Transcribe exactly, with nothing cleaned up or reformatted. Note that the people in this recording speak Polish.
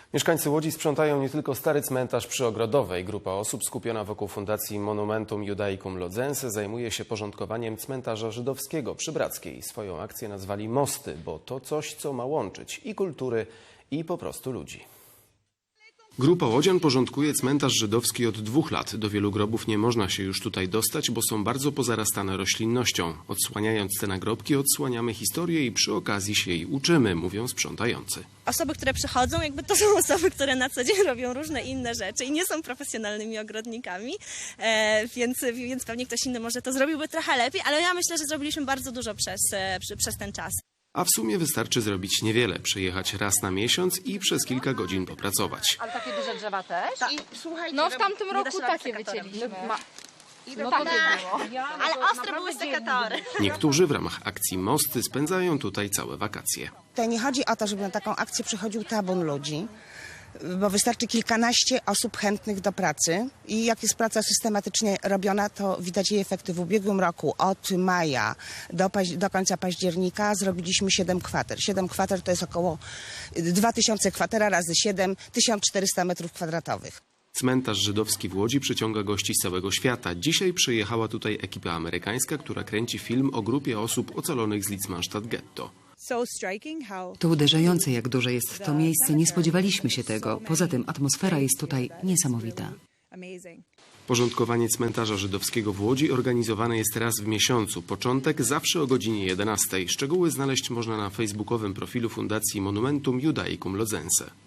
Mieszkańcy Łodzi sprzątają nie tylko stary cmentarz przy Ogrodowej. Grupa osób skupiona wokół Fundacji Monumentum Judaicum Lodzense zajmuje się porządkowaniem cmentarza żydowskiego przy Brackiej. Swoją akcję nazwali Mosty, bo to coś, co ma łączyć i kultury, i po prostu ludzi. Grupa łodzian porządkuje cmentarz żydowski od dwóch lat. Do wielu grobów nie można się już tutaj dostać, bo są bardzo pozarastane roślinnością. Odsłaniając te nagrobki, odsłaniamy historię i przy okazji się jej uczymy, mówią sprzątający. Osoby, które przychodzą, jakby to są osoby, które na co dzień robią różne inne rzeczy i nie są profesjonalnymi ogrodnikami, e, więc, więc pewnie ktoś inny może to zrobiłby trochę lepiej, ale ja myślę, że zrobiliśmy bardzo dużo przez, e, przez ten czas. A w sumie wystarczy zrobić niewiele, przyjechać raz na miesiąc i przez kilka godzin popracować. Ale takie duże drzewa też? I słuchajcie, No w tamtym nie da roku się robić takie sekatorem. wycięliśmy. I No dokładnie takie było. Ale ostre były sekatory. Niektórzy w ramach akcji Mosty spędzają tutaj całe wakacje. Tutaj nie chodzi o to, żeby na taką akcję przychodził tabun ludzi, bo wystarczy kilkanaście osób chętnych do pracy i jak jest praca systematycznie robiona, to widać jej efekty. W ubiegłym roku od maja do, do końca października zrobiliśmy siedem kwater. siedem kwater to jest około dwa tysiące kwatera razy siedem, tysiąc czterysta metrów kwadratowych. Cmentarz żydowski w Łodzi przyciąga gości z całego świata. Dzisiaj przyjechała tutaj ekipa amerykańska, która kręci film o grupie osób ocalonych z Litzmannstadt Ghetto. To uderzające, jak duże jest to miejsce. Nie spodziewaliśmy się tego. Poza tym atmosfera jest tutaj niesamowita. Porządkowanie cmentarza żydowskiego w Łodzi organizowane jest raz w miesiącu. Początek zawsze o godzinie jedenastej. Szczegóły znaleźć można na facebookowym profilu Fundacji Monumentum Judaicum Lodzense.